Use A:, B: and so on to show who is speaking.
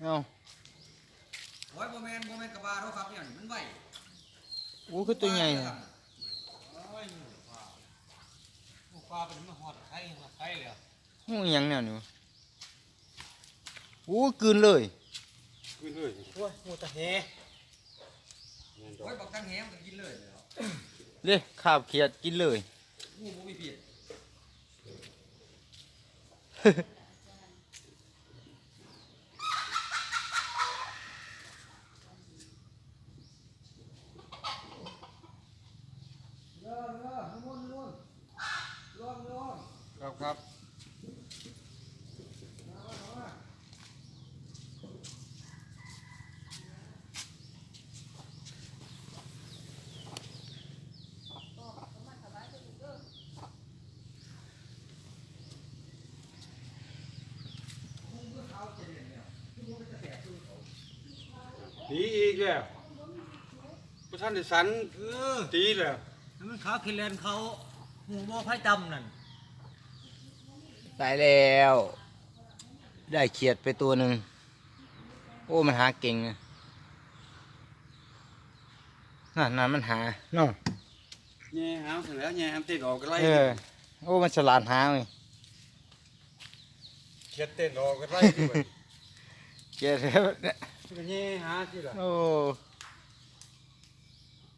A: เอา
B: โอ้ยโมเมนต์กระบาเขาครับเนี่ยมันไหว
A: โอ้คือตัวใหญ่
B: โอ้ยปลาเป็นมาหอดไข่เลย
A: โอ้ยังเนี่ยนี่โอ้กลืนเลย
C: ขึ้นเลย
B: โอ้ยหมูตะเฮโอ้ยบอกตั้งแหมก็กินเลย
A: เด้ขาบเขียดกินเลย
B: งูบ่มีผิดครับ
C: หนีอีกแล้วพระท่านได้สันตีแล้ว
B: มันขาขี้เลนเขาหูบ่ไผ่ดำนั่น
A: ตายแล้ว ได้เขียดไปตัวหนึ่งโอ้มันหาเก่งนะนั่นมันหาเนาะ
C: แง่หามเสร็จแล้วแง่หามติดออกก็ไล่
A: โอ้มันฉลาดหาเลย
C: เขียดเต้นออกก็ไล่ด้วย
A: เขียดแล้วเนี่ย
C: ก็แง่หาที่ละ
A: โอ้